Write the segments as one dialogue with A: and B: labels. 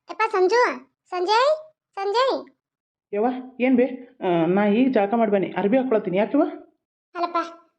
A: ಯಪ್ಪ ಸಂಜು. ಸಂಜಯ್. ಸಂಜಯ್.
B: ಯವ್ವ ಏನು ಬೇ ನಾ ಈಗ ಜಳಕ ಮಾಡಿ ಬನ್ನಿ ಅರ್ಬಿ ಹಾಕ್ಕೊಳತ್ತೀನಿ ಯಾಕೆವ
A: ಅಲ್ಲಪ್ಪ.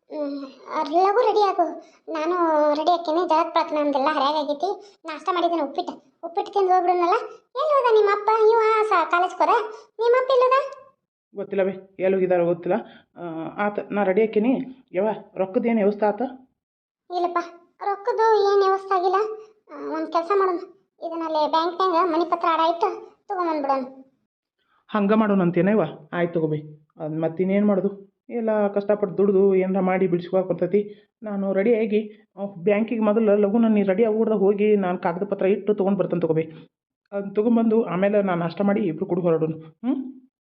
A: ಲಘು ರೆಡಿ ಆಗು. ನಾನು ರೆಡಿ ಹಾಕೇನೆ. ಜಳಕ ಪಳಕ ನಮ್ದೆಲ್ಲ ಹರಿಯಾಗೈತಿ. ನಾಷ್ಟ ಮಾಡಿದ್ದೇನೆ. ಉಪ್ಪಿಟ್ಟು ತಿಂದು ಹೋಗ್ಬಿಡೋಣಲ್ಲ. ಎಲ್ಲಿ ಹೋದ ನಿಮ್ಮ ಅಪ್ಪ? ಇವ ಕಾಲೇಜ್ಗೆ ಹೋದ. ನಿಮ್ಮ ಅಪ್ಪ ಎಲ್ಲೋದ?
B: ಗೊತ್ತಿಲ್ಲ ಬೇ ಎಲ್ಲಿ ಹೋಗಿದಾರೋ ಗೊತ್ತಿಲ್ಲ. ಆತ ನಾ ರೆಡಿ ಹಾಕೀನಿ. ಯವ್ವ ರೊಕ್ಕದ ಏನು ವ್ಯವಸ್ಥೆ ಆತ?
A: ಇಲ್ಲಪ್ಪ, ರೊಕ್ಕದ್ದು ಏನು ವ್ಯವಸ್ಥೆ ಆಗಿಲ್ಲ. ಒಂದು ಕೆಲಸ ಮಾಡೋಣ. ಇದನ್ನಲ್ಲಿ ಬ್ಯಾಂಕ್ನಾಗ ಮನಿ ಪತ್ರ ಆಡ ಇಟ್ಟು ತೊಗೊಂಬಂದ್ಬಿಡೋಣ.
B: ಹಂಗೆ ಮಾಡೋಣ ಅಂತೇನವ್ವ. ಆಯ್ತು ತಗೋಬೇ. ಅದು ಮತ್ತಿನ್ನೇನು ಮಾಡೋದು, ಎಲ್ಲ ಕಷ್ಟಪಟ್ಟು ದುಡ್ದು ಏನಾರ ಮಾಡಿ ಬಿಡಿಸ್ಕೊಳಕ್ಕೆ ಬರ್ತೈತಿ. ನಾನು ರೆಡಿಯಾಗಿ ಬ್ಯಾಂಕಿಗೆ ಮೊದಲು ಲಘು ನಾನು ರೆಡಿ ಆಗ್ಬಿಡ್ದ ಹೋಗಿ ನಾನು ಕಾಗದ ಪತ್ರ ಇಟ್ಟು ತೊಗೊಂಡು ಬರ್ತೇನೆ ತಗೋಬೇ. ಅದನ್ನ ತೊಗೊಂಬಂದು ಆಮೇಲೆ ನಾನು ನಾಷ್ಟ ಮಾಡಿ ಇಬ್ಬರು ಕೂಡ ಹೊರಡೋಣ. ಹ್ಞೂ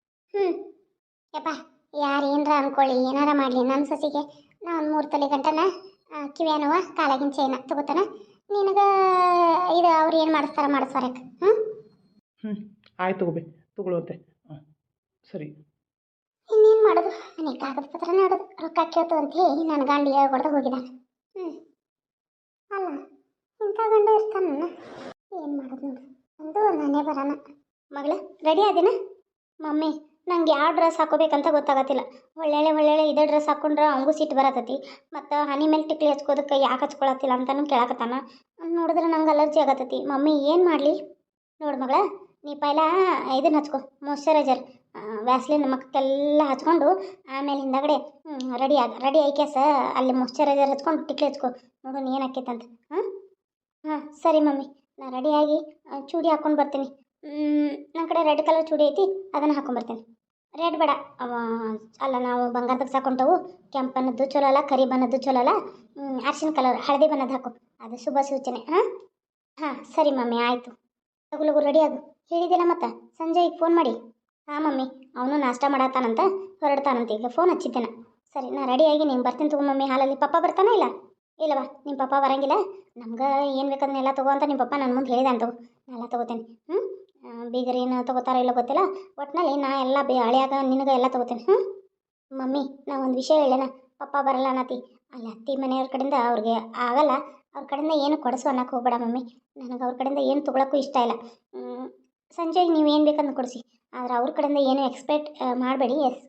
A: ಯಪ್ಪ, ಯಾರು ಏನರ ಅನ್ಕೊಳ್ಳಿ, ಏನಾರ ಮಾಡಲಿ, ನನ್ನ ಸೊಸಿಗೆ ನಾ ಒಂದು 3 ತೊಲೆ ಗಂಟನ ಕಿವ್ಯಾನವ ಕಾಲಾಗಿನ ಚೈನ ತಗೋತಾನ. ನಿನಗೆ ಇದು ಅವ್ರು ಏನು ಮಾಡಿಸ್ವಾರಕ್ಕೆ. ಹ್ಞೂ
B: ಆಯ್ತು ತಗೋಬೇ, ತಗೊಳ್ಳುವಂತೆ. ಹಾಂ ಸರಿ.
A: ಇನ್ನೇನು ಮಾಡೋದು? ನನಗೆ ಕಾಗದ ಪತ್ರ ನೋಡೋದು. ರೊಕ್ಕ ಕೇಳ್ತು ಅಂತ ಹೇಳಿ ನನ್ನ ಗಂಡ ಹೇಳ್ಕೊಡ್ದು ಹೋಗಿದ್ದಾನೆ. ಅಲ್ಲ, ಇಂಥ ಗಂಡ ಇರ್ತಾನ. ಏನು ಮಾಡೋದು ನೋಡು. ಒಂದು ನಾನೇ ಬರೋಣ. ಮಗಳ ರೆಡಿ ಆದಿನ? ಮಮ್ಮಿ, ನಂಗೆ ಯಾವ ಡ್ರೆಸ್ ಹಾಕೋಬೇಕಂತ ಗೊತ್ತಾಗತ್ತಿಲ್ಲ. ಒಳ್ಳೆ ಇದೇ ಡ್ರೆಸ್ ಹಾಕ್ಕೊಂಡ್ರೆ ಅವಂಗೂ ಸಿಟ್ಟು ಬರತೈತಿ. ಮತ್ತು ಹನಿ ಮೇಲೆ ಟಿಕ್ಲಿ ಹಚ್ಕೋದಕ್ಕೆ ಯಾಕೆ ಹಚ್ಕೊಳತ್ತಿಲ್ಲ ಅಂತಲೂ ಕೇಳಕತ್ತಾನ. ನೋಡಿದ್ರೆ ನಂಗೆ ಅಲರ್ಜಿ ಆಗತ್ತೈತಿ. ಮಮ್ಮಿ ಏನು ಮಾಡಲಿ? ನೋಡು ಮಗಳ, ನೀ ಪೈಲ ಇದನ್ನು ಹಚ್ಕೊ, ಮಾಯ್ಶ್ಚರೈಸರ್, ವ್ಯಾಸ್ಲಿನ್ ಮಕ್ಕಕ್ಕೆಲ್ಲ ಹಚ್ಕೊಂಡು ಆಮೇಲೆ ಹಿಂದಗಡೆ ರೆಡಿ ಐಕ್ಯಾಸ ಅಲ್ಲಿ ಮಾಯ್ಶ್ಚರೈಸರ್ ಹಚ್ಕೊಂಡು ಟಿಕ್ಲಿ ಹಚ್ಕೊ. ನೋಡು ಏನು ಆಕೈತಂತ. ಹಾಂ ಸರಿ ಮಮ್ಮಿ, ನಾನು ರೆಡಿಯಾಗಿ ಚೂಡಿ ಹಾಕ್ಕೊಂಡು ಬರ್ತೀನಿ. ನನ್ನ ಕಡೆ ರೆಡ್ ಕಲರ್ ಚೂಡಿ ಐತಿ, ಅದನ್ನು ಹಾಕ್ಕೊಂಬರ್ತೀನಿ. ರೆಡ್ ಬೇಡ, ಅಲ್ಲ ನಾವು ಬಂಗಾರದಾಗ ಸಾಕೊಂಡವು. ಕೆಂಪು ಬಣ್ಣದ್ದು ಚಲೋ ಅಲ್ಲ, ಕರಿ ಬಣ್ಣದ್ದು ಚಲೋ ಅಲ್ಲ. ಅರ್ಶಿನ ಕಲರ್ ಹಳದಿ ಬಣ್ಣದ್ದು ಹಾಕು, ಅದು ಶುಭ ಸೂಚನೆ. ಹಾಂ ಸರಿ ಮಮ್ಮಿ, ಆಯಿತು. ಲಗು ರೆಡಿ ಆಗು. ಹೇಳಿದ್ದೀನ ಮತ್ತು ಸಂಜೆಗೆ ಫೋನ್ ಮಾಡಿ. ಹಾಂ ಮಮ್ಮಿ, ಅವನು ನಾಷ್ಟ ಮಾಡತ್ತಾನಂತ ಹೊರಡ್ತಾನಂತ. ಈಗ ಫೋನ್ ಹಚ್ಚಿದ್ದೇನೆ. ಸರಿ, ನಾ ರೆಡಿಯಾಗಿ ನೀನು ಬರ್ತೀನಿ ತಗೋ ಮಮ್ಮಿ. ಹಾಲಲ್ಲಿ ಪಪ್ಪ ಬರ್ತಾನೆ ಇಲ್ಲ? ಇಲ್ಲವಾ, ನಿಮ್ಮ ಪಪ್ಪ ಬರಂಗಿಲ್ಲ. ನಮ್ಗೆ ಏನು ಬೇಕದನ್ನೆಲ್ಲ ತಗೋ ಅಂತ ನಿಮ್ಮ ಪಪ್ಪ ನನ್ನ ಮುಂದೆ ಹೇಳಿದೆ ಅಂತ. ನಾನೆಲ್ಲ ತೊಗೋತೇನೆ. ಬೀಗರು ಏನು ತೊಗೋತಾರೋ ಇಲ್ಲ ಗೊತ್ತಿಲ್ಲ. ಒಟ್ಟಿನಲ್ಲಿ ನಾ ಎಲ್ಲ ಹಳೆಯಾಗ ನಿನಗೆ ಎಲ್ಲ ತೊಗೋತೇನೆ. ಮಮ್ಮಿ, ನಾ ಒಂದು ವಿಷಯ ಹೇಳೇನ. ಪಪ್ಪ ಬರಲ್ಲ ಅನ್ನತಿ. ಅಲ್ಲಿ ಅತ್ತಿ ಮನೆಯವ್ರ ಕಡೆಯಿಂದ ಅವ್ರಿಗೆ ಆಗಲ್ಲ. ಅವ್ರ ಕಡೆಯಿಂದ ಏನು ಕೊಡಿಸು ಅನ್ನಕ್ಕೆ ಹೋಗ್ಬೇಡ ಮಮ್ಮಿ. ನನಗೆ ಅವ್ರ ಕಡೆಯಿಂದ ಏನು ತೊಗೊಳಕ್ಕೂ ಇಷ್ಟ ಇಲ್ಲ. ಸಂಜೆಗೆ ನೀವು ಏನು ಬೇಕಂದು ಕೊಡಿಸಿ, ಆದರೆ ಅವ್ರ ಕಡೆಯಿಂದ ಏನು ಎಕ್ಸ್ಪೆಕ್ಟ್ ಮಾಡಬೇಡಿ. ಎಸ್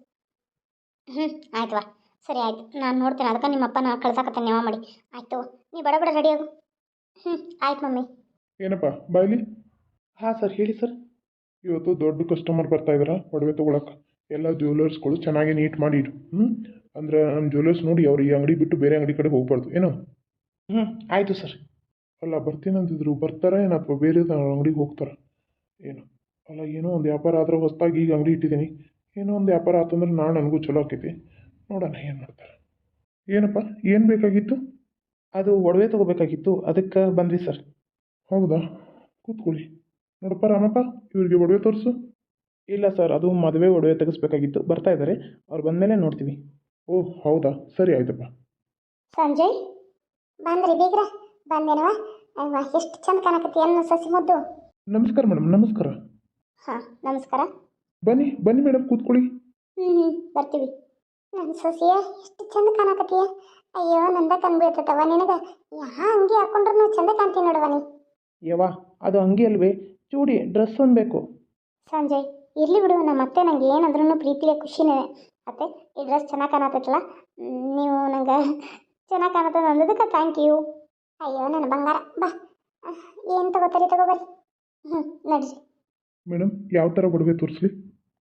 A: ಆಯ್ತವಾ. ಸರಿ ಆಯ್ತು, ನಾನು ನೋಡ್ತೇನೆ. ಅದಕ್ಕೆ ನಿಮ್ಮಪ್ಪ ನಾ ಕಳ್ಸಾಕತ್ತೇನೆ ನೆವ ಮಾಡಿ. ಆಯಿತು, ನೀ ಬಡ ರೆಡಿ ಆಗು. ಆಯ್ತು ಮಮ್ಮಿ.
C: ಏನಪ್ಪ ಬಾಯ್ಲಿ?
B: ಹಾಂ ಸರ್, ಹೇಳಿ ಸರ್.
C: ಇವತ್ತು ದೊಡ್ಡ ಕಸ್ಟಮರ್ ಬರ್ತಾ ಇದಾರ ಒಡವೆ ತೊಗೊಳಕ್ಕೆ. ಎಲ್ಲ ಜ್ಯುವೆಲರ್ಸ್ಗಳು ಚೆನ್ನಾಗಿ ನೀಟ್ ಮಾಡಿ ಇಡು. ಅಂದ್ರೆ ನಮ್ಮ ಜ್ಯುವೆಲರ್ಸ್ ನೋಡಿ ಅವ್ರು ಈ ಅಂಗಡಿ ಬಿಟ್ಟು ಬೇರೆ ಅಂಗಡಿ ಕಡೆ ಹೋಗ್ಬಾರ್ದು ಏನೋ.
B: ಆಯಿತು ಸರ್.
C: ಅಲ್ಲ, ಬರ್ತೀನಂತಿದ್ರು, ಬರ್ತಾರ ಏನು ಅಥವಾ ಬೇರೆ ಅಂಗಡಿಗೆ ಹೋಗ್ತಾರ ಏನು? ಅಲ್ಲ, ಏನೋ ಒಂದು ವ್ಯಾಪಾರ ಆದ್ರೆ ಹೊಸದಾಗಿ ಈಗ ಅಂಗಡಿ ಇಟ್ಟಿದ್ದೀನಿ. ಏನೋ ಒಂದು ವ್ಯಾಪಾರ ಆತಂದ್ರೆ ನಾಳೆ ನನಗೂ ಚಲೋ ಆಕೈತಿ. ನೋಡೋಣ ಏನು ಮಾಡ್ತಾರೆ. ಏನಪ್ಪ, ಏನು ಬೇಕಾಗಿತ್ತು?
B: ಅದು ಒಡವೆ ತೊಗೋಬೇಕಾಗಿತ್ತು, ಅದಕ್ಕೆ ಬಂದ್ವಿ ಸರ್.
C: ಹೌದಾ, ಕೂತ್ಕೊಳ್ಳಿ. ನೋಡಪ್ಪ ರಾಮಪ್ಪ, ಇವ್ರಿಗೆ ಒಡವೆ ತೋರಿಸು.
B: ಇಲ್ಲ ಸರ್, ಅದು ಮದುವೆ ಒಡವೆ ತೆಗೆಸ್ಬೇಕಾಗಿತ್ತು. ಬರ್ತಾ ಇದ್ದಾರೆ, ಅವ್ರು ಬಂದಮೇಲೆ ನೋಡ್ತೀವಿ.
C: ಓಹ್ ಹೌದಾ, ಸರಿ ಆಯ್ತಪ್ಪ.
A: ಸಂಜಯ್ ಬಂದ್ರಿ ಬೀಗ್ರ? ಬಂದೇನವ? ಎಷ್ಟು ಚಂದ ಕಾಣಕತ್ತಿ ಅನ್ನ ಸಸಿ ಮುದ್ದು.
C: ನಮಸ್ಕಾರ ಮೇಡಮ್, ನಮಸ್ಕಾರ.
A: ಹಾಂ ನಮಸ್ಕಾರ.
C: ಬನ್ನಿ ಬನ್ನಿ ಮೇಡಮ್, ಕೂತ್ಕೊಳ್ಳಿ.
A: ಬರ್ತೀವಿ. ನನ್ನ ಸೊಸೆಯ ಎಷ್ಟು ಚಂದ ಕಾಣಕತ್ತೀಯ. ಅಯ್ಯೋ, ನಂದ ಕಣ್ಬೀಳ್ತತವ ನಿನಗೆ. ಅಂಗಿ ಹಾಕೊಂಡ್ರು ಚಂದ ಕಾಣ್ತೀನಿ ನೋಡುವ ನೀ.
B: ಯವ್ವ, ಅದು ಅಂಗಿ ಅಲ್ವೇ, ಚೂಡಿ ಡ್ರೆಸ್ ಒಂದು ಬೇಕು.
A: ಸಂಜಯ್ ಇರ್ಲಿ ಬಿಡು, ನಮ್ಮ ಅತ್ತೆ ನಂಗೆ ಏನಂದ್ರೂ ಪ್ರೀತಿಗೆ ಖುಷಿನೇ. ಅತ್ತೆ, ಈ ಡ್ರೆಸ್ ಚೆನ್ನಾಗಿ ಕಾಣತ್ತಲ್ಲ, ನೀವು ನಂಗೆ ಚೆನ್ನಾಗಿ ಕಾಣತ್ತದ ಅಂದದಕ್ಕೆ ಥ್ಯಾಂಕ್ ಯು. ಅಯ್ಯೋ ನನ್ನ ಬಂಗಾರ, ಬಾ. ಏನು ತಗೋಬರ್ರಿ. ನಡ್ರಿ
C: ಮೇಡಮ್, ಯಾವ ಥರ ಒಡವೆ ತೋರಿಸ್ಲಿ?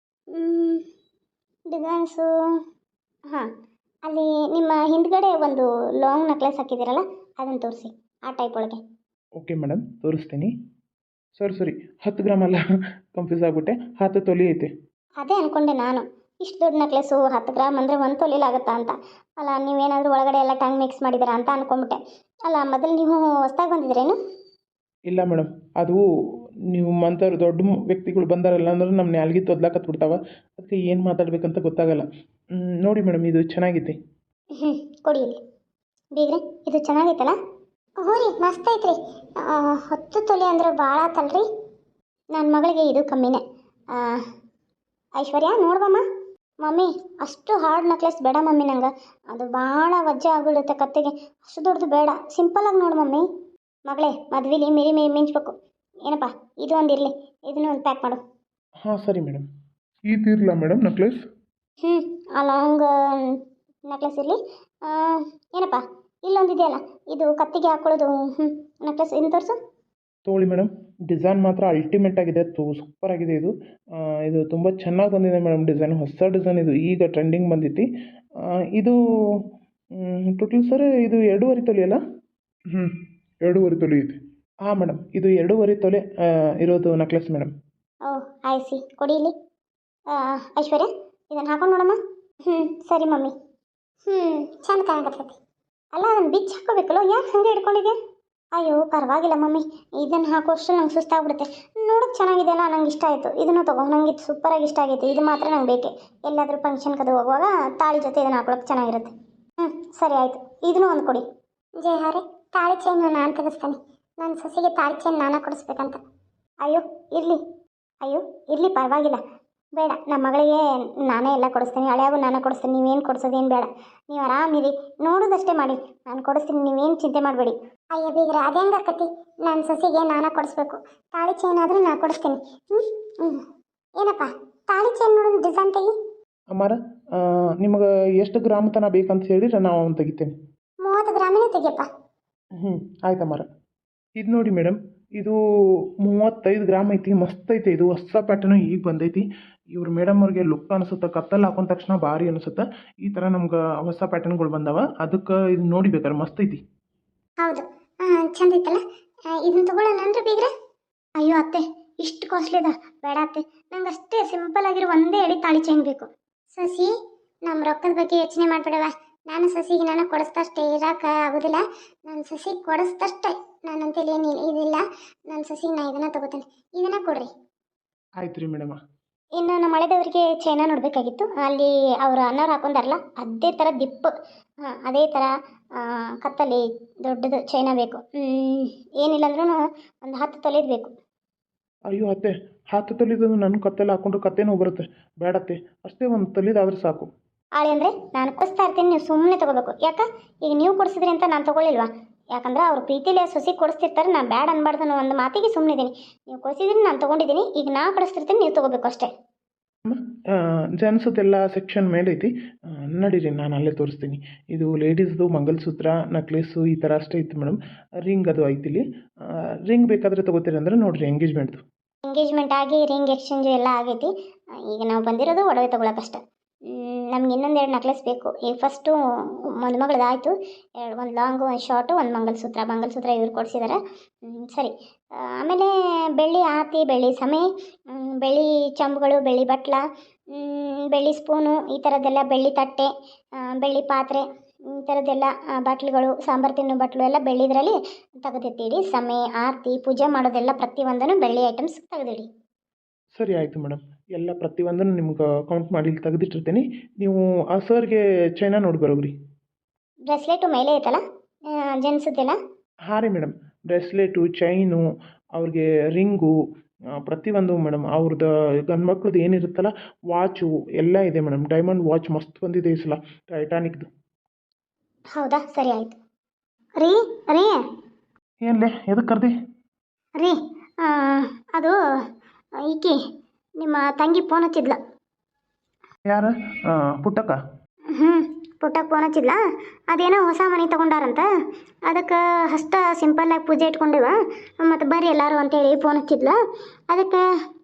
A: ಡಿಸೈನ್ಸು, ಹಾಂ, ಅಲ್ಲಿ ನಿಮ್ಮ ಹಿಂದ್ಗಡೆ ಒಂದು ಲಾಂಗ್ ನೆಕ್ಲೆಸ್ ಹಾಕಿದ್ದೀರಲ್ಲ, ಅದನ್ನು ತೋರಿಸಿ. ಆ ಟೈಪ್ ಒಳಗೆ.
B: ಓಕೆ ಮೇಡಮ್, ತೋರಿಸ್ತೀನಿ. ಸರಿ 10 ಗ್ರಾಮ್ ಅಲ್ಲ, ಕನ್ಫ್ಯೂಸ್ ಆಗಿಬಿಟ್ಟೆ. 10 ತೊಲೆ ಐತೆ.
A: ಅದೇ ಅಂದ್ಕೊಂಡೆ ನಾನು, ಇಷ್ಟು ದೊಡ್ಡ ನೆಕ್ಲೆಸ್ಸು 10 ಗ್ರಾಮ್ ಅಂದರೆ 1 ತೊಲೆಲಾಗುತ್ತಾ ಅಂತ. ಅಲ್ಲ, ನೀವೇನಾದರೂ ಒಳಗಡೆ ಎಲ್ಲ ಟಂಗ್ ಮಿಕ್ಸ್ ಮಾಡಿದ್ದೀರಾ ಅಂತ ಅಂದ್ಕೊಂಬಿಟ್ಟೆ. ಅಲ್ಲ, ಮೊದಲು ನೀವು ಹೊಸ್ದಾಗಿ ಬಂದಿದ್ದೀರೇನು?
B: ಇಲ್ಲ ಮೇಡಮ್, ಅದು ನೀವು ಮಂತವ್ರು ದೊಡ್ಡ ವ್ಯಕ್ತಿಗಳು ಬಂದಾರಲ್ಲ ಅಂದ್ರೆ ನಮ್ಮ ನ್ಯಾಲ್ಗಿ ತೊದ್ಲಾಕತ್ಬಿಡ್ತಾವ. ಅದಕ್ಕೆ ಏನು ಮಾತಾಡ್ಬೇಕಂತ ಗೊತ್ತಾಗಲ್ಲ. ನೋಡಿ ಮೇಡಮ್, ಇದು ಚೆನ್ನಾಗೈತೆ.
A: ಕೊಡಿ ಇಲ್ಲಿ. ಬೀಗ್ರೆ, ಇದು ಚೆನ್ನಾಗೈತಲ್ಲ? ಹ್ಞೂ ರೀ, ಮಸ್ತ್ ಐತ್ರಿ. 10 ತೊಲೆ ಅಂದ್ರೆ ಭಾಳ ಆತಲ್ರಿ. ನನ್ನ ಮಗಳಿಗೆ ಇದು ಕಮ್ಮಿನೇ. ಐಶ್ವರ್ಯ ನೋಡ್ಬಮ್ಮ. ಮಮ್ಮಿ, ಅಷ್ಟು ಹಾರ್ಡ್ ನೆಕ್ಲೆಸ್ ಬೇಡ ಮಮ್ಮಿ ನಂಗೆ. ಅದು ಭಾಳ ವಜ್ಜೆ ಆಗಿಬಿಡುತ್ತೆ ಕತ್ತಿಗೆ. ಅಷ್ಟು ದೊಡ್ಡದು ಬೇಡ, ಸಿಂಪಲಾಗಿ ನೋಡು ಮಮ್ಮಿ. ಮಗಳೇ, ಮದ್ವೆಲಿ ಮಿರಿ ಮಿಂಚಬೇಕು. ಏನಪ್ಪ ಇದು ಒಂದು ಇರಲಿ, ಇದನ್ನು ಒಂದು ಪ್ಯಾಕ್ ಮಾಡು.
B: ಹಾಂ ಸರಿ ಮೇಡಮ್.
C: ಇದಿರಲ್ಲ madam necklace?
A: ಹ್ಞೂ ಆ ಲಾಂಗ್ ನೆಕ್ಲೆಸ್ ಇರಲಿ. ಏನಪ್ಪ ಇಲ್ಲೊಂದಿದೆಯಲ್ಲ, ಇದು ಕತ್ತಿಗೆ ಹಾಕ್ಕೊಳ್ಳೋದು ನೆಕ್ಲೆಸ್, ಇನ್ನು ತೋರಿಸು.
B: ತೊಗೊಳ್ಳಿ ಮೇಡಮ್. ಡಿಸೈನ್ ಮಾತ್ರ ಅಲ್ಟಿಮೇಟ್ ಆಗಿದೆ, ಸೂಪರ್ ಆಗಿದೆ ಇದು. ಇದು ತುಂಬ ಚೆನ್ನಾಗಿ ಬಂದಿದೆ ಮೇಡಮ್ ಡಿಸೈನ್, ಹೊಸ ಡಿಸೈನ್ ಇದು, ಈಗ ಟ್ರೆಂಡಿಂಗ್ ಬಂದೈತಿ. ಇದು ಟೋಟಲ್ ಸರ್ ಇದು 2.5 ತೊಲೆ ಅಲ್ಲ?
C: 2.5 ತೊಲೆ ಐತಿ.
B: ಹಾಂ ಮೇಡಮ್, ಇದು 2.5 ತೊಲೆ ಇರೋದು ನೆಕ್ಲೆಸ್ ಮೇಡಮ್.
A: ಓಹ್ ಆಯ್ಸಿ ಕೊಡಿ ಇಲ್ಲಿ. ಐಶ್ವರ್ಯ ಇದನ್ನು ಹಾಕೊಂಡು ನೋಡಮ್ಮ. ಸರಿ ಮಮ್ಮಿ. ಚಂದ ಕಾಣಕತ್ತೈತಿ. ಅಲ್ಲ ಅದನ್ನು ಬಿಚ್ಚಿ ಹಾಕೋಬೇಕಲ್ಲ, ಯಾಕೆ ಹಾಗೆ ಹಿಡ್ಕೊಂಡಿದ್ಯಾ? ಅಯ್ಯೋ ಪರವಾಗಿಲ್ಲ ಮಮ್ಮಿ, ಇದನ್ನು ಹಾಕೋಷ್ಟು ನಂಗೆ ಸುಸ್ತಾಗ್ಬಿಡುತ್ತೆ. ನೋಡೋಕೆ ಚೆನ್ನಾಗಿದೆ ಅಲ್ಲ, ನಂಗೆ ಇಷ್ಟ ಆಯಿತು. ಇದನ್ನು ತೊಗೊ, ನಂಗೆ ಇದು ಸೂಪರಾಗಿ ಇಷ್ಟ ಆಗೈತೆ. ಇದು ಮಾತ್ರ ನಂಗೆ ಬೇಕೆ. ಎಲ್ಲಾದರೂ ಫಂಕ್ಷನ್ ಕದು ಹೋಗುವಾಗ ತಾಳಿ ಜೊತೆ ಇದನ್ನು ಹಾಕೊಳಕ್ಕೆ ಚೆನ್ನಾಗಿರುತ್ತೆ. ಸರಿ ಆಯಿತು, ಇದನ್ನು ಒಂದು ಕೊಡಿ. ಜಯಹಾರೆ, ತಾಳಿ ಚೈನ್ ನಾನು ತೆಗೆಸ್ತೇನೆ. ನನ್ನ ಸೊಸೆಗೆ ತಾಳಿ ಚೈನ್ ನಾನೇ ಕೊಡಿಸ್ಬೇಕಂತ. ಅಯ್ಯೋ ಇರಲಿ ಪರವಾಗಿಲ್ಲ, ಬೇಡ. ನಮ್ಮ ಮಗಳಿಗೆ ನಾನೇ ಎಲ್ಲ ಕೊಡಿಸ್ತೀನಿ, ಹಳೆಯಾಗೂ ನಾನೇ ಕೊಡಿಸ್ತೀನಿ. ನೀವೇನು ಕೊಡಿಸೋದೇನು ಬೇಡ, ನೀವು ಆರಾಮಿರಿ, ನೋಡೋದಷ್ಟೇ ಮಾಡಿ. ನಾನು ಕೊಡಿಸ್ತೀನಿ, ನೀವೇನು ಚಿಂತೆ ಮಾಡಬೇಡಿ. ಅಯ್ಯ ಬೀಗ್ರೆ, ಅದೇ ಹೆಂಗಾಕತಿ? ನನ್ನ ಸೊಸೆಗೆ ನಾನೇ ಕೊಡಿಸ್ಬೇಕು. ತಾಳಿ ಚೈನ್ ಆದರೂ ನಾನು ಕೊಡಿಸ್ತೀನಿ. ಏನಪ್ಪ ತಾಳಿ ಚೈನ್ ನೋಡೋದು ಡಿಸೈನ್ ತೆಗಿ.
B: ಅಮ್ಮಾರ, ನಿಮಗೆ ಎಷ್ಟು ಗ್ರಾಮ್ ತನಕ ಬೇಕಂತ ಹೇಳಿದ್ರೆ ನಾವು ಅವ್ನು ತೆಗಿತೇನೆ.
A: 30 ಗ್ರಾಮಿನೇ ತೆಗಿಯಪ್ಪ.
B: ಆಯ್ತಮ್ಮಾರ. ಇದು ನೋಡಿ ಮೇಡಮ್, ಇದು 35 ಗ್ರಾಮ್ ಐತಿ. ಮಸ್ತ್ ಐತೆ ಇದು, ಹೊಸ ಪ್ಯಾಟರ್ನು ಈಗ ಬಂದೈತಿ. ಇವ್ರು ಮೇಡಮ್ ಅವ್ರಿಗೆ ಲುಕ್ ಅನಿಸುತ್ತೆ, ಕತ್ತಲ್ಲಿ ಹಾಕೊಂಡ ತಕ್ಷಣ ಭಾರಿ ಅನಿಸುತ್ತೆ. ಈ ಥರ ನಮ್ಗೆ ಹೊಸ ಪ್ಯಾಟರ್ನ್ಗಳು ಬಂದವ, ಅದಕ್ಕೆ ಇದು ನೋಡಿ ಬೇಕಾದ್ರೆ ಮಸ್ತ್ ಐತಿ.
A: ಹೌದು, ಚಂದ ಐತಲ್ಲ. ಇದನ್ನು ತಗೊಳ್ಳೋಣ ಅಂದ್ರೆ ಬೀಗ್ರೆ? ಅಯ್ಯೋ ಅತ್ತೆ, ಇಷ್ಟು ಕಾಸ್ಟ್ಲಿ ಅದ, ಬೇಡ ಅತ್ತೆ. ನಂಗೆ ಅಷ್ಟೇ ಸಿಂಪಲ್ ಆಗಿರೋ ಒಂದೇ ಎಳೆ ತಾಳಿ ಚೈನ್ ಬೇಕು. ಸಸಿ, ನಮ್ಮ ರೊಕ್ಕದ ಬಗ್ಗೆ ಯೋಚನೆ ಮಾಡಬೇಡವ. ನಾನು ಸಸಿಗೆ ನಾನು ಕೊಡಿಸ್ದಷ್ಟೇ ಇರೋಕೆ ಆಗೋದಿಲ್ಲ. ನನ್ನ ಸಸಿಗೆ ಕೊಡಿಸ್ದಷ್ಟೇ, ನಾನಂತೇಳಿ ಏನಿಲ್ಲ ಇದಿಲ್ಲ. ನನ್ನ ಸಸಿಗೆ ನಾನು ಇದನ್ನು ತಗೋತೇನೆ. ಇದನ್ನು ಕೊಡ್ರಿ.
B: ಆಯ್ತು ರೀ ಮೇಡಮ.
A: ಇನ್ನು ನಮ್ಮ ಹಳೆದವರಿಗೆ ಚೈನ ನೋಡಬೇಕಾಗಿತ್ತು. ಅಲ್ಲಿ ಅವರು ಅನ್ನೋರು ಹಾಕೊಂಡಾರಲ್ಲ, ಅದೇ ಥರ ದಿಪ್ಪು, ಅದೇ ಥರ ಕತ್ತಲ್ಲಿ ದೊಡ್ಡದು ಚೈನ ಬೇಕು. ಏನಿಲ್ಲ ಅಂದ್ರೂ ಒಂದು 10 ತೊಲೆದು ಬೇಕು.
B: ಅಯ್ಯೋ ಅತ್ತೆ, 10 ತೊಲಿದು ನನ್ನ ಕತ್ತಲ್ಲಿ ಹಾಕೊಂಡ್ರೆ ಕತ್ತೇನೋ ಬರುತ್ತೆ. ಬೇಡತ್ತೆ, ಅಷ್ಟೇ ಒಂದು ತೊಲಿದಾದ್ರೆ ಸಾಕು.
A: ಆಳೆ ಅಂದರೆ ನಾನು ಕೊಡಿಸ್ತಾ ಇರ್ತೀನಿ, ನೀವು ಸುಮ್ಮನೆ ತೊಗೋಬೇಕು. ಯಾಕೆ ಈಗ ನೀವು ಕೊಡಿಸಿದ್ರಿ ಅಂತ ನಾನು ತೊಗೊಳ್ಳಿಲ್ವಾ? ಯಾಕಂದ್ರೆ ಅವ್ರು ಪ್ರೀತಿಲಿ ಸೊಸಿ ಕೊಡಿಸ್ತಿರ್ತಾರೆ, ನಾನು ಬ್ಯಾಡ್ ಅನ್ಬಾರ್ದು ಅನ್ನೋ ಒಂದು ಮಾತಿಗೆ ಸುಮ್ಮನಿದ್ದೀನಿ. ನೀವು ಕೊಡಿಸಿದ್ರಿ, ನಾನು ತೊಗೊಂಡಿದ್ದೀನಿ. ಈಗ ನಾ ಕೊಡಿಸ್ತಿರ್ತೀನಿ, ನೀವು ತೊಗೋಬೇಕು ಅಷ್ಟೇ.
B: ಜೆಂಟ್ಸದೆಲ್ಲ ಸೆಕ್ಷನ್ ಮೇಲೆ ಐತಿ, ನಡೀರಿ ನಾನು ಅಲ್ಲೇ ತೋರಿಸ್ತೀನಿ. ಇದು ಲೇಡೀಸ್ದು ಮಂಗಲಸೂತ್ರ, ನೆಕ್ಲೆಸ್ಸು ಈ ಥರ ಅಷ್ಟೇ ಐತಿ ಮೇಡಮ್. ರಿಂಗ್ ಅದು ಐತಿ ಇಲ್ಲಿ. ರಿಂಗ್ ಬೇಕಾದರೆ ತೊಗೋತೀರಿ ಅಂದ್ರೆ ನೋಡಿರಿ, ಎಂಗೇಜ್ಮೆಂಟ್ದು.
A: ಎಂಗೇಜ್ಮೆಂಟ್ ಆಗಿ ರಿಂಗ್ ಎಕ್ಸ್ಚೇಂಜು ಎಲ್ಲ ಆಗೈತಿ. ಈಗ ನಾವು ಬಂದಿರೋದು ಒಡವೆ ತೊಗೊಳಕ್ಕಷ್ಟೆ. ನಮ್ಗೆ ಇನ್ನೊಂದೆರಡು ನೆಕ್ಲೆಸ್ ಬೇಕು. ಈಗ ಫಸ್ಟು ಮದುಮಗಳದಾಯಿತು, ಒಂದು ಲಾಂಗು, ಒಂದು ಶಾರ್ಟು, ಒಂದು ಮಂಗಲಸೂತ್ರ ಇವ್ರು ಕೊಡಿಸಿದ್ದಾರೆ. ಸರಿ. ಆಮೇಲೆ ಬೆಳ್ಳಿ ಆರತಿ, ಬೆಳ್ಳಿ ಸಮೆ, ಬೆಳ್ಳಿ ಚಂಬುಗಳು, ಬೆಳ್ಳಿ ಬಟ್ಲ, ಬೆಳ್ಳಿ ಸ್ಪೂನು, ಈ ಥರದ್ದೆಲ್ಲ, ಬೆಳ್ಳಿ ತಟ್ಟೆ, ಬೆಳ್ಳಿ ಪಾತ್ರೆ, ಈ ಥರದ್ದೆಲ್ಲ ಬಾಟ್ಲುಗಳು, ಸಾಂಬಾರು ತಿನ್ನೋ ಬಾಟ್ಲು ಎಲ್ಲ ಬೆಳ್ಳಿದ್ರಲ್ಲಿ ತೆಗೆದಿಟ್ಟಿಡಿ. ಸಮೆ, ಆರತಿ, ಪೂಜೆ ಮಾಡೋದೆಲ್ಲ ಪ್ರತಿಯೊಂದನ್ನು ಬೆಳ್ಳಿ ಐಟಮ್ಸ್ ತೆಗೆದಿಡಿ.
B: ಸರಿ ಆಯಿತು ಮೇಡಮ್, ಎಲ್ಲ ಪ್ರತಿಯೊಂದನ್ನು ನಿಮ್ಗೆ ಕೌಂಟ್ ಮಾಡಿ ಇಲ್ಲಿ ತೆಗೆದಿಟ್ಟಿರ್ತೀನಿ. ನೀವು ಆ ಸರ್ಗೆ ಚೈನಾ ನೋಡಿ ಬರೋಗ್ರಿ.
A: ಬ್ರೆಸ್ಲೆಟು ಮೇಲೆ ಐತಲ್ಲ ಜೆಂಟ್ಸದ್ದೆಲ್ಲ?
B: ಹಾಂ ರೀ ಮೇಡಮ್, ಬ್ರೆಸ್ಲೆಟು, ಚೈನು, ಅವ್ರಿಗೆ ರಿಂಗು, ಪ್ರತಿಯೊಂದು ಮೇಡಮ್. ಅವ್ರದ್ದು ಗಂಡು ಮಕ್ಳದ್ದು ಏನಿರುತ್ತಲ್ಲ, ವಾಚು ಎಲ್ಲ ಇದೆ ಮೇಡಮ್. ಡೈಮಂಡ್ ವಾಚ್ ಮಸ್ತ್ ಬಂದಿದೆ ಈ ಸಲ, ಟೈಟಾನಿಕ್ದು.
A: ಹೌದಾ, ಸರಿ ಆಯಿತು. ರೀ ರೀ
B: ಏನ್ಲೇ, ಎದಕ್ಕೆ ಕರ್ದಿ?
A: ರೀ ಅದು ಈಕಿ ನಿಮ್ಮ ತಂಗಿ ಫೋನ್ ಹಚ್ಚಿದ್ಲ.
B: ಯಾರು? ಪುಟ್ಟಕ್ಕ?
A: ಪುಟ್ಟಕ್ಕೆ ಫೋನ್ ಹಚ್ಚಿದ್ಲ. ಅದೇನೋ ಹೊಸ ಮನೆ ತೊಗೊಂಡಾರಂತ, ಅದಕ್ಕೆ ಅಷ್ಟು ಸಿಂಪಲ್ಲಾಗಿ ಪೂಜೆ ಇಟ್ಕೊಂಡೇವ, ಮತ್ತು ಬರ್ರಿ ಎಲ್ಲರೂ ಅಂತೇಳಿ ಫೋನ್ ಹಚ್ಚಿದ್ಲ. ಅದಕ್ಕೆ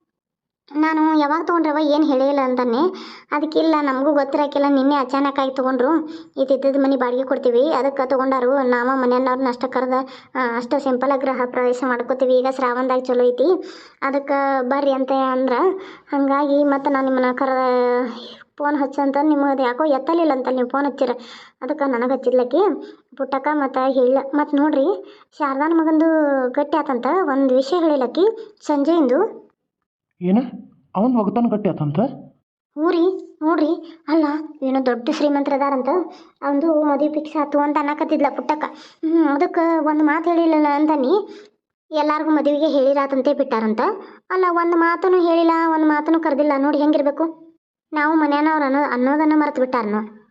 A: ನಾನು ಯಾವಾಗ ತೊಗೊಂಡ್ರವ ಏನು ಹೇಳಿಲ್ಲ ಅಂತಾನೆ. ಅದಕ್ಕಿಲ್ಲ, ನಮಗೂ ಗೊತ್ತಿರೋಕ್ಕಿಲ್ಲ, ನಿನ್ನೆ ಅಚಾನಕ್ಕಾಗಿ ತೊಗೊಂಡ್ರು. ಇದ್ದಿದ್ದು ಮನೆ ಬಾಡಿಗೆ ಕೊಡ್ತೀವಿ, ಅದಕ್ಕೆ ತೊಗೊಂಡಾರು. ನಾವು ಮನೆಯವ್ರನ್ನ ಅಷ್ಟು ಕರೆದ ಅಷ್ಟು ಸಿಂಪಲಾಗಿ ಗೃಹ ಪ್ರವೇಶ ಮಾಡ್ಕೋತೀವಿ. ಈಗ ಶ್ರಾವಣದಾಗ ಚಲೋ ಐತಿ, ಅದಕ್ಕೆ ಬರ್ರಿ ಅಂತ ಅಂದ್ರೆ, ಹಾಗಾಗಿ ಮತ್ತು ನಾನು ನಿಮ್ಮನ್ನ ಕರೆದ ಫೋನ್ ಹಚ್ಚಂತ ನಿಮಗೆ ಯಾಕೋ ಎತ್ತಲಿಲ್ಲ ಅಂತ ನೀವು ಫೋನ್ ಹಚ್ಚಿರ. ಅದಕ್ಕೆ ನನಗೆ ಹಚ್ಚಿದ್ಲಕ್ಕಿ ಪುಟ್ಟಕ್ಕ. ಮತ್ತು ಹೇಳಿಲ್ಲ. ಮತ್ತು ನೋಡ್ರಿ, ಶಾರದಾನ ಮಗಂದು ಗಟ್ಟಿ ಆತಂತ ಒಂದು ವಿಷಯ ಹೇಳಿಲ್ಲಕ್ಕಿ ಸಂಜೆಯಿಂದ.
B: ಏನು, ಅವನು ಒಗತಾನ ಗಟ್ಟಿ ಆತಂತ?
A: ಹ್ಞೂ ರೀ, ನೋಡ್ರಿ. ಅಲ್ಲ, ಏನೋ ದೊಡ್ಡ ಶ್ರೀಮಂತರದಾರಂತ, ಅವನು ಮದುವೆ ಫಿಕ್ಸ್ ಆಯ್ತು ಅಂತ ಅನ್ನಕತ್ತಿದ್ಲ ಪುಟ್ಟಕ್ಕ. ಅದಕ್ಕೆ ಒಂದು ಮಾತು ಹೇಳಿಲ್ಲ ಅಂತಾನೆ, ಎಲ್ಲರಿಗೂ ಮದುವೆಗೆ ಹೇಳಿರಾತಂತೆ ಬಿಟ್ಟಾರಂತ. ಅಲ್ಲ, ಒಂದು ಮಾತೂ ಹೇಳಿಲ್ಲ, ಒಂದು ಮಾತೂ ಕರೆದಿಲ್ಲ. ನೋಡಿ ಹೆಂಗಿರ್ಬೇಕು. ನಾವು ಮನೆಯವ್ರು ಅನ್ನೋದನ್ನು ಮರೆತು ಬಿಟ್ಟಾರ.